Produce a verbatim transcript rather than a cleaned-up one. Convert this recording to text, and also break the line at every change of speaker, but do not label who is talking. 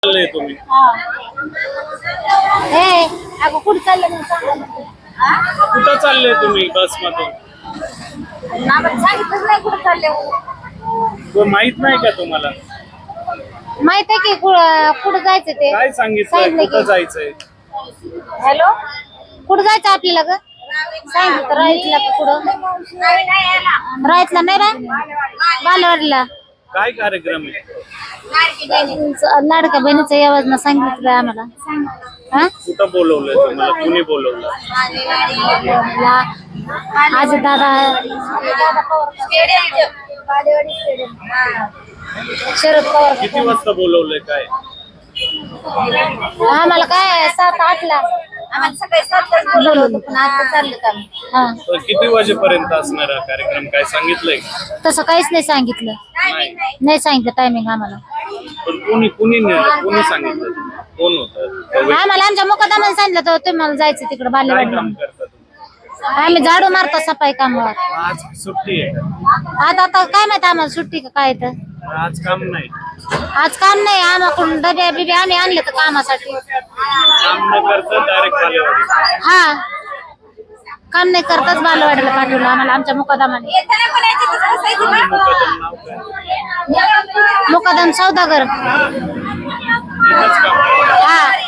चाललंय तुम्ही?
ए अगं कुठं चाललं मग सांग.
कुठं चाललंय तुम्ही बस मधून?
आम्हाला सांगितलंच नाही कुठं चालले.
तो माहित नाही का तुम्हाला?
माहित आहे की कुठं कुठं जायचं ते.
काय सांगितलंय?
सांगितलं
कुठं
की.
जायचंय?
हॅलो कुठं जायचं आपल्याला ग? सांगितलं तर राहायचं का कुठं? राहायचं नाही रे बालवाडीला.
काय कार्यक्रम आहे?
लाडका बहिणीचं योजना सांगितलं आम्हाला. हा
कुठं बोलवलंय तुम्हाला? कुणी बोलवलं?
आज दादा शरद पवार.
किती वाजता बोलवलंय काय?
आम्हाला काय सात आठला आम्हाला सकाळी सातलाच बोलवलं होतं पण आता चाललं का. हा
तर किती वाजेपर्यंत असणार हा कार्यक्रम काय सांगितलंय?
तसं काहीच नाही सांगितलं.
नाही.
नाही सांगितलं टायमिंग आम्हाला.
पण कुणी कुणी नेलं? कुणी सांगितलं? कोण होतं?
आम्हाला आमच्या मुकादमाने सांगितलं तर तुम्हाला जायचं तिकडे
काय
बालेवाडीला.
काम करता तुम्ही?
आम्ही झाडू मारतो सफाई कामावर.
आज सुट्टी आहे का?
आता आता काय माहिती आम्हाला सुट्टी का काय तर.
आज काम नाही.
आज काम नाही आम्हाकडून डब्या बिब्या आम्ही आणले तर कामासाठी.
काम न करता डायरेक्ट बालेवाडी.
हा काम नाही करताच बालवाडीला पाठवलं आम्हाला आमच्या मुकादमाने.
कोणी मुकादम नाव काय?
मुकादम सौदागर.
एकच काम करता.
हा